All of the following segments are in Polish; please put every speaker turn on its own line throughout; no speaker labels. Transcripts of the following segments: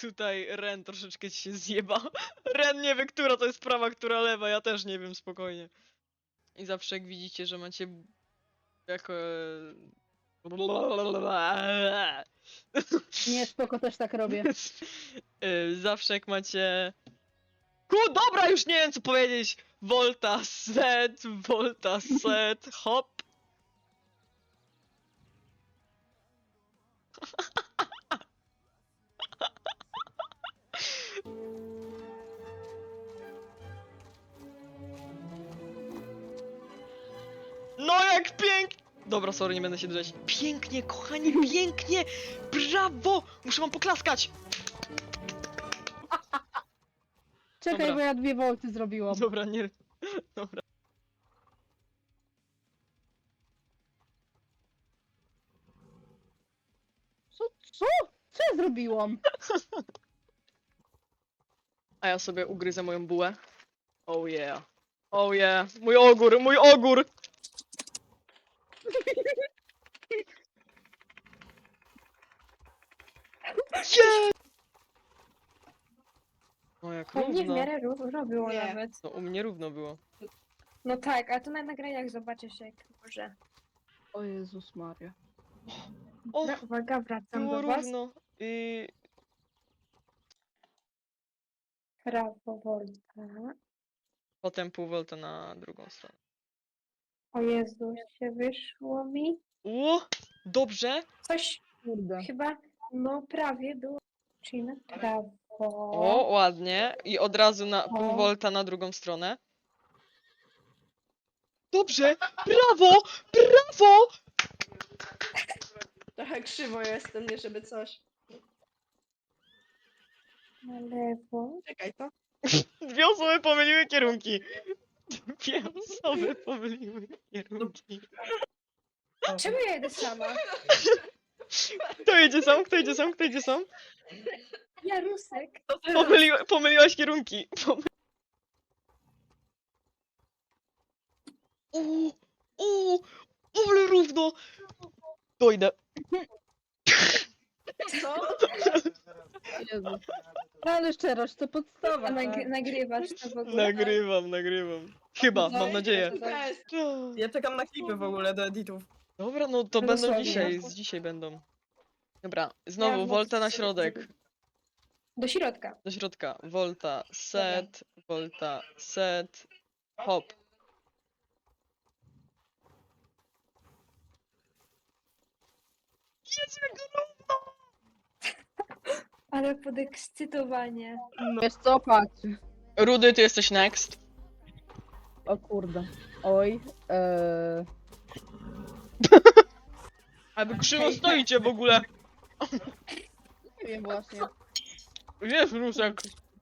Tutaj Ren troszeczkę ci się zjeba. Ren nie wie, która to jest prawa, która lewa, ja też nie wiem, spokojnie. I zawsze jak widzicie, że macie jako...
Nie, spoko, też tak robię.
Zawsze jak macie... Dobra, już nie wiem co powiedzieć! Volta, set, hop. No jak pięknie! Dobra, sorry, nie będę się drzeć. Pięknie, kochani, pięknie! Brawo! Muszę wam poklaskać!
Czekaj,
Dobra.
bo ja 2 volty zrobiłam.
Dobra, nie... Dobra.
Co? Co? Co ja zrobiłam?
A ja sobie ugryzę moją bułę. Oh yeah. Oh yeah. Mój ogór, mój ogór! Yeah! No jak
U mnie w
równo.
miarę równo było
Nie.
nawet.
No u mnie równo było.
No tak, a to na nagraniach zobaczysz jak może.
O Jezus Maria.
O,
Uwaga, wracam
było
do was.
równo. I...
Prawo volta.
Potem pół volta na drugą stronę.
O Jezu, się wyszło mi.
Dobrze.
Coś
Kurde.
chyba, no prawie było. Czyli na prawo.
O, ładnie. I od razu na pół
O.
volta na drugą stronę. Dobrze! Brawo! Brawo!
Trochę krzywo jestem, nie żeby coś.
Na lewo.
Czekaj, to.
Dwie osoby pomyliły kierunki. Dwie osoby pomyliły kierunki.
Czemu ja jedę sama?
Kto jedzie sam? Kto jedzie sam? Kto jedzie sam?
Ja Rusek.
To teraz.
Pomyliłaś kierunki. Ale równo! Dojdę.
Co?
Jezu. No ale szczerość to podstawa.
A
tak?
nagrywasz to w ogóle?
Nagrywam. Chyba, mam nadzieję.
Jest. Ja czekam na klipy w ogóle do editów.
Dobra, no to
No
będą
sorry.
dzisiaj, z dzisiaj będą. Dobra, znowu
Ja
volta na
was-
środek.
Do środka.
Do środka. Volta, set, hop. Jest jak równo!
Ale podekscytowanie.
Wiesz co, patrz.
Rudy, ty jesteś next.
O kurde. Oj.
A wy krzywo stoicie w ogóle.
Nie wiem właśnie.
Wiesz, Rusek.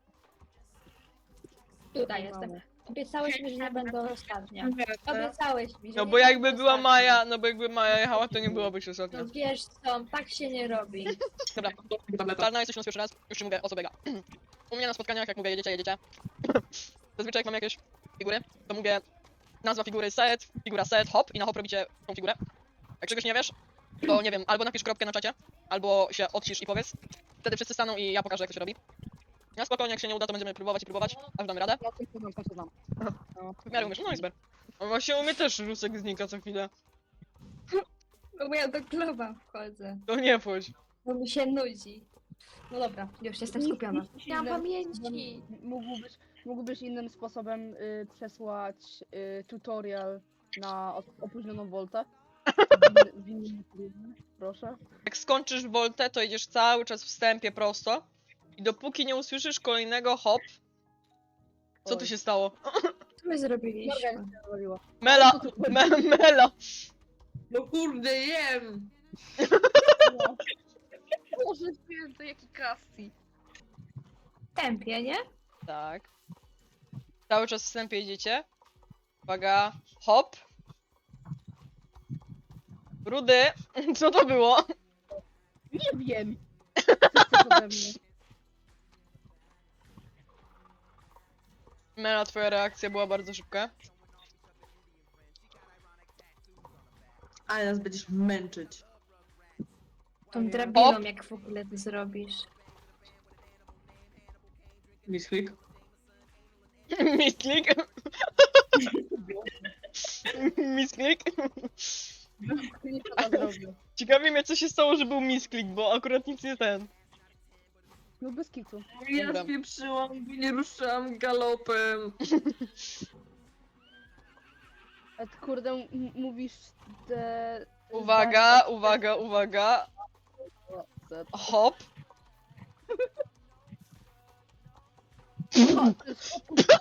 Tutaj jestem. Obiecałeś mi, że nie będę ostatnia.
Tak.
Obiecałeś mi, że
No
nie
bo jakby
będę
była
ostatnia.
Maja, no bo jakby Maja jechała, to nie byłabyś ostatnia.
No wiesz co, tak się nie robi.
Dobra, Czarna jesteś u nas pierwszy raz, już ci mówię o co biega. U mnie na spotkaniach, jak mówię jedziecie. Zazwyczaj jak mam jakieś figury, to mówię nazwa figury set, figura set, hop i na hop robicie tą figurę. Jak czegoś nie wiesz, to nie wiem, albo napisz kropkę na czacie, albo się odcisz i powiedz. Wtedy wszyscy staną i ja pokażę jak to się robi. Ja spokojnie, jak się nie uda, to będziemy próbować, aż damy radę.
Ja coś znam. No.
W miarę umiesz, no i super. No właśnie u mnie też Rusek znika co chwilę.
No bo ja do kluba wchodzę,
To nie wchodź.
bo mi się nudzi. No dobra, już jestem skupiona. Nie mam
Innym-
pamięci.
Mógłbyś innym sposobem przesłać tutorial na opóźnioną voltę? W innym trybie, proszę.
Jak skończysz voltę, to idziesz cały czas w wstępie prosto. I dopóki nie usłyszysz kolejnego hop. Co tu
Oj.
się stało?
Co my zrobiliśmy?
Morgan się zrobiła.
Mela! Mela!
No kurde, jem!
No. Boże, święty, jaki Cassie.
W tempie, nie?
Tak. Cały czas w wstępie idziecie. Uwaga. Hop. Rudy! Co to było?
Nie wiem. Co chcesz ode mnie?
Mela, twoja reakcja była bardzo szybka.
Ale nas będziesz męczyć.
Tą drabiną
Hop.
jak w ogóle ty zrobisz.
Misklik.
Misklik. Misklik.
Nie to zrobił.
Ciekawi mnie, co się stało, że był misklik, bo akurat nic nie ten.
No bez kitu.
Ja
Dobra.
spieprzyłam, bo nie ruszałam galopem.
A ty kurde mówisz te...
Uwaga, uwaga, uwaga. Hop.
O, to jest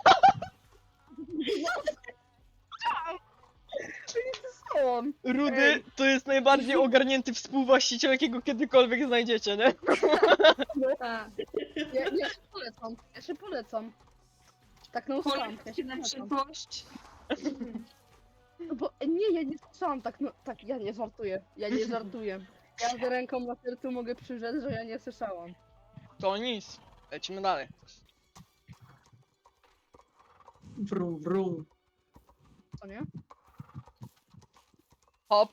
Zostałam.
Rudy to jest najbardziej ogarnięty współwłaściciel, jakiego kiedykolwiek znajdziecie, nie?
Tak.
Ja się polecam. Ja się polecam. Tak no usłyszałam. Ja się
Na
polecam.
przyszłość.
No bo nie, ja nie słyszałam tak, no tak, ja nie żartuję. Ja nie żartuję. Ja z ręką na sercu mogę przyrzec, że ja nie słyszałam.
To nic. Lecimy dalej.
Wrum, wrum.
Co nie?
Hop.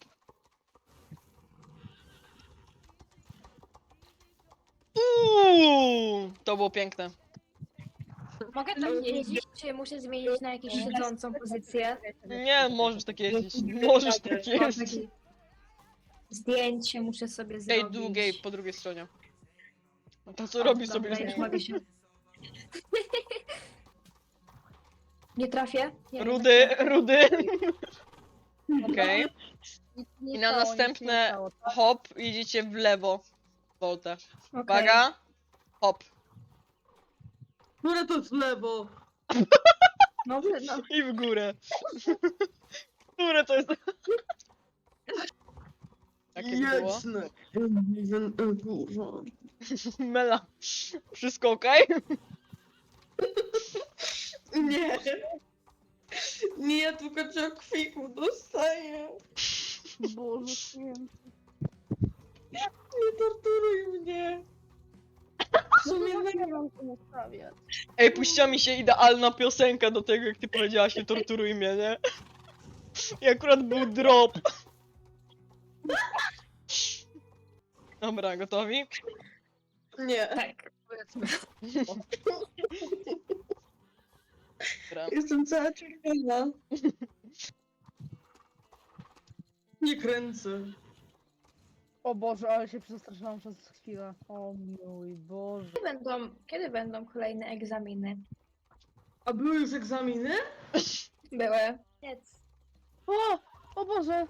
To było piękne.
Mogę tak jeździć, czy muszę zmienić na jakąś siedzącą pozycję?
Nie, możesz tak jeździć. Możesz tak
Mam
jeździć.
takie zdjęcie muszę sobie
Ej,
zrobić.
długiej po drugiej stronie. No to co
O,
robi
dobra,
sobie?
już mogę się... Nie trafię? Nie,
Rudy, rudy.
Dobra.
Okej.
Nic nie
I na
stało, nic
następne
nie stało, tak?
hop idziecie w lewo. Voltę.
Okej.
Uwaga. Hop.
Które to w lewo?
No, no.
I w górę. Które to jest? Jakie to było?
Jasne. Kurwa.
Mela. Wszystko okej?
Nie. Nie, ja tylko kwiku dostaję.
Boże święty.
Nie torturuj mnie.
Co nie mam tu ustawiać?
Ej, puściła mi się idealna piosenka do tego, jak ty powiedziałaś, nie torturuj mnie, nie? I akurat był drop. Dobra, gotowi?
Nie.
Tak.
Powiedzmy.
Dobra.
Jestem cała czerwona. Nie kręcę.
O Boże, ale się przestraszyłam przez chwilę. O mój Boże.
Kiedy będą kolejne egzaminy?
A były już egzaminy?
Były. Nic.
O Boże!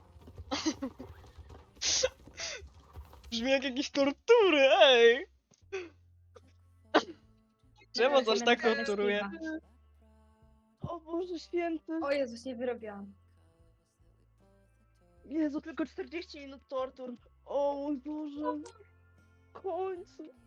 Brzmi jak jakieś tortury, ej! Czemu coś tak torturuje?
O Boże święty!
O Jezus, nie wyrobiłam.
Jezu, tylko 40 minut tortur. O mój Boże. W końcu.